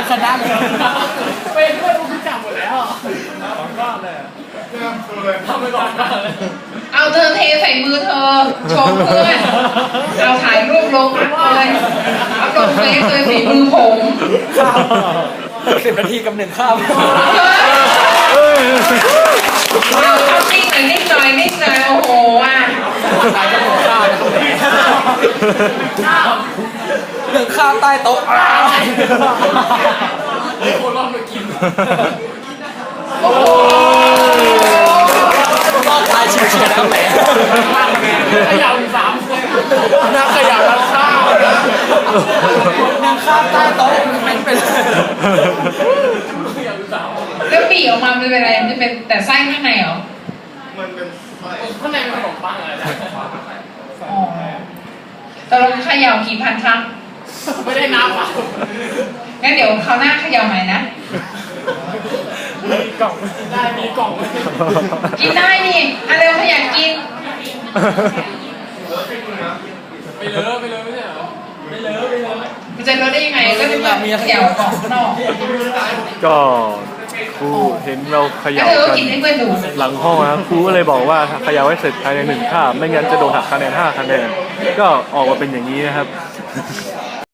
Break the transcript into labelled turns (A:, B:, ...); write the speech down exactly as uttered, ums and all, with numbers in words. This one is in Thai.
A: ชนะเลย
B: เป็นเพื่อนกูจับหมดแล้วสองรอบเลยทำไปก่อนเลย
C: เอาเธอเทใส่มือเธอโชว์เพื่อนเอาถ่ายรูปลงเลยเอาลงเฟซเลยฝีมือผม
A: สิบนาทีกับหนึ่งข้าว
C: เอาเอานิ่งหน่อยนิ่งหน่อยนิ่งหน่อยโอ้โหอ่ะ
A: ตายกับหนึ่งข้าวหนึ่งข้าวใต้โต๊ะ
B: คนรอบมากิน
C: โอ้โห
A: รอบตายชิวๆแล้วแหม
B: ขยับสามนักขยับรันข้าว
A: หนึ่งข้าวใต้โต๊ะเป็นเป็น
C: แล้วปีออกมามันเป็นอะไรมันเป็นแต่ไส้ข้างในเหรอ
B: มันเป็นไส้ข้างในมันขนมปังอะไร
C: อ๋อแต่เราเขย่ากี่พันครั้ง
B: ไม่ได้นับอ่ะ
C: งั้นเดี๋ยวคราวหน้าเขย่าใหม่นะ
B: มีกล่องได้มีกล่อง
C: กินได้นี่อะเร็วขยันกิน
B: ไปเลอะไปเลอะไม่ใช่เหรอไปเลอะไปเลอะ
C: มันจะลดได้ยังไงก็จะแบบเขย่ากล่องนอก
D: ก็ครูเห็นเราเขย่ากันหลังห้องนะครูก็เลยบอกว่าเขย่าให้เสร็จภายในหนึ่งคาบไม่งั้นจะโดนหักคะแนนห้าคะแนนก็ออกมาเป็นอย่างนี้นะครับ